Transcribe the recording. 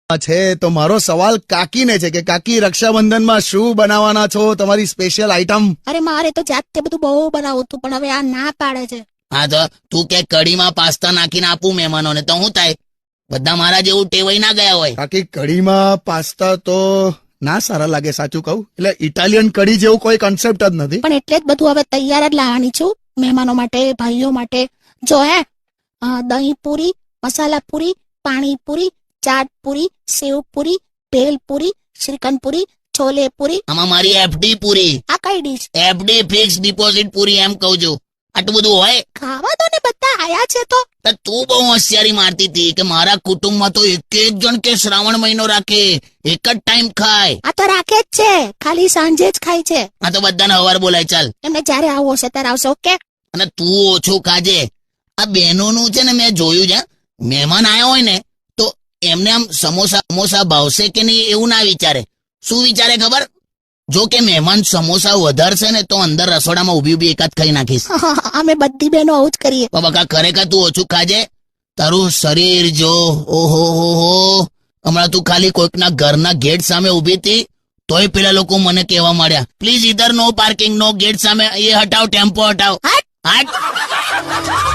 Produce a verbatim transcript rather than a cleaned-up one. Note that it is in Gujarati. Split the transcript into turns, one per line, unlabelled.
છે તો મારો સવાલ કાકીને છે કે કાકી રક્ષાબંધનમાં શું બનાવવાના છો, તમારી સ્પેશિયલ આઈટમ?
અરે મારે તો જાતે બધું બહુ બનાવું હતું, પણ હવે આ ના પાડે છે.
હા તો તું કે કઢીમાં પાસ્તા નાખીને આપું મહેમાનોને તો શું થાય? બધા મારા જેવું ટેવાઈ ના ગયા હોય.
કાકી કઢીમાં પાસ્તા તો ના સારા લાગે, સાચું કહું. એટલે ઇટાલિયન કઢી જેવું કોઈ કન્સેપ્ટ જ નથી.
પણ એટલે જ બધું હવે તૈયાર જ લાવવાની છું મહેમાનો માટે, ભાઈઓ માટે. જો હે અ, દહીં પૂરી, મસાલા પૂરી, પાણી પૂરી, ચાટ પૂરી, સેવ પૂરી, ભેલ પૂરી, શ્રીખંડ પૂરી, છોલે પૂરી.
આમાં મારી એફડી પૂરી,
આ કઈ ડીશ?
એફડી ફિક્સ ડિપોઝિટ પૂરી એમ કહું છું. આટલું બધું હોય
ખાવા દો ને, બધા આયા છે તો.
તો તું બહુ હોશિયારી મારતી હતી કે મારા કુટુંબમાં તો એક એક જણ કે શ્રાવણ મહિનો રાખે, એક જ ટાઈમ ખાય.
આ તો રાખે જ છે, ખાલી સાંજે જ ખાય છે.
આ તો બધાને હવાર બોલાય. ચાલ,
એમને જ્યારે આવું હશે ત્યારે આવશે. ઓકે.
અને તું ઓછું ખાજે. આ બહેનોનું છે ને, મેં જોયું છે, મહેમાન આવ્યા હોય ને તો એમને આમ સમોસા સમોસા ભાવશે કે નહીં એવું ના વિચારે. શું વિચારે ખબર? જો કે મહેમાન સમોસા વધારશે ને તો અંદર રસોડામાં ઉભી ઉભી એકાદ ખાઈ નાખીશ.
અમે બધી બહેનો આવું જ કરીએ.
બકા ખરેખર તું ઓછું ખાજે. તારું શરીર જો, ઓહો હો હો. હમણાં તું ખાલી કોઈકના ઘરના ગેટ સામે ઉભી હતી તોય પેલા લોકો મને કહેવા માંડ્યા, પ્લીઝ ઇધર નો પાર્કિંગ, નો ગેટ સામે, એ હટાવ, ટેમ્પો હટાવ.
હટ!
હટ!